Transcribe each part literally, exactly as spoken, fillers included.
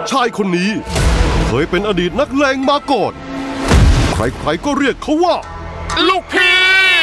ชายคนนี้เคยเป็นอดีตนักเลงมาก่อนใครๆก็เรียกเขาว่าลูกพี่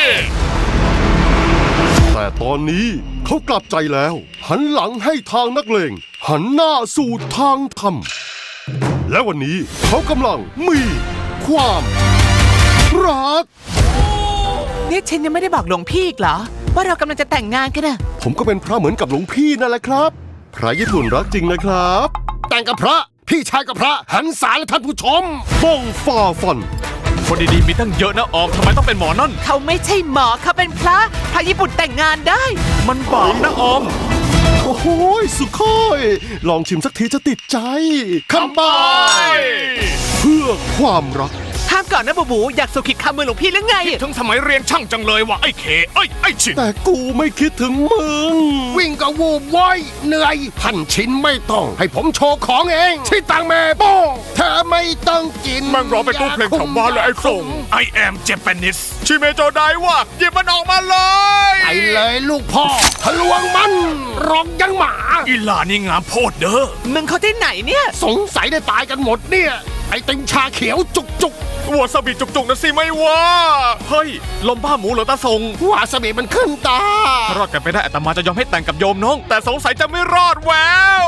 แต่ตอนนี้เขากลับใจแล้วหันหลังให้ทางนักเลงหันหน้าสู่ทางธรรมและวันนี้เขากำลังมีความรักนี่ฉันยังไม่ได้บอกหลวงพี่อีกเหรอว่าเรากำลังจะแต่งงานกันนะผมก็เป็นพระเหมือนกับหลวงพี่นั่นแหละครับพระญี่ปุ่นรักจริงนะครับแต่งกับพระพี่ชายกับพระหันษาและท่านผู้ชมบ้องฝ่าฟันคนดีๆมีตั้งเยอะนะออมทำไมต้องเป็นหมอนั่นเขาไม่ใช่หมอเขาเป็นพระพระญี่ปุ่นแต่งงานได้มันบาปนะออมโอ้โหสุโคยลองชิมสักทีจะติดใจคำบายเพื่อความรักห้ามก่อนนะบูบูอยากสุขิดคำมือหลวงพี่หรือไงถึงสมัยเรียนช่างจังเลยว่ะไอ้เคไอ้ไอ้ชินแต่กูไม่คิดถึงมึงวิ่งก็วูบว้อยเหนื่อยพันชิ้นไม่ต้องให้ผมโชว์ของเองที่ตังแม่โป้เธอไม่ต้องกินมันร้องเป็นตู้เพลงแถวบ้านเลยไอ้ส่ง I am Japanese ชิเมโจไดว่าหยิบมันออกมาเลยไปเลยลูกพ่อทะลวงมันร้องยังหมาอีหลานี่งามโพดเด้อมึงเขาที่ไหนเนี่ยสงสัยได้ตายกันหมดเนี่ยไอติมชาเขียวจุกจุกวาซาบิจุกๆนะสิไม่ว่าเฮ้ยลมบ้าหมูเหรอตาทรงวาซาบิมันขึ้นตารอดกันไปได้อาตมาจะยอมให้แต่งกับโยมน้องแต่สงสัยจะไม่รอดแวว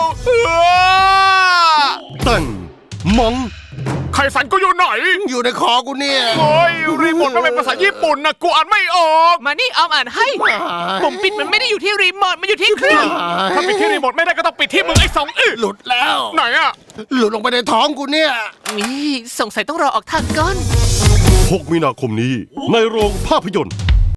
แต่งมังไข่สันกูอยู่ไหนอยู่ในคอกูเนี่ยโอ้ยรีโมทมันเป็นภาษาญี่ปุ่นนะกูอ่านไม่ออกมานี่ออมอ่านให้ผมปิดมันไม่ได้อยู่ที่รีโมทมันอยู่ที่เครื่องถ้าปิดที่รีโมทไม่ได้ก็ต้องปิดที่มึงไอ้สองอึหลุดแล้วไหนอะหลุดลงไปในท้องกูเนี่ยนี่สงสัยต้องรอออกทางก่อนหกมีนาคมนี้ในโรงภาพยนตร์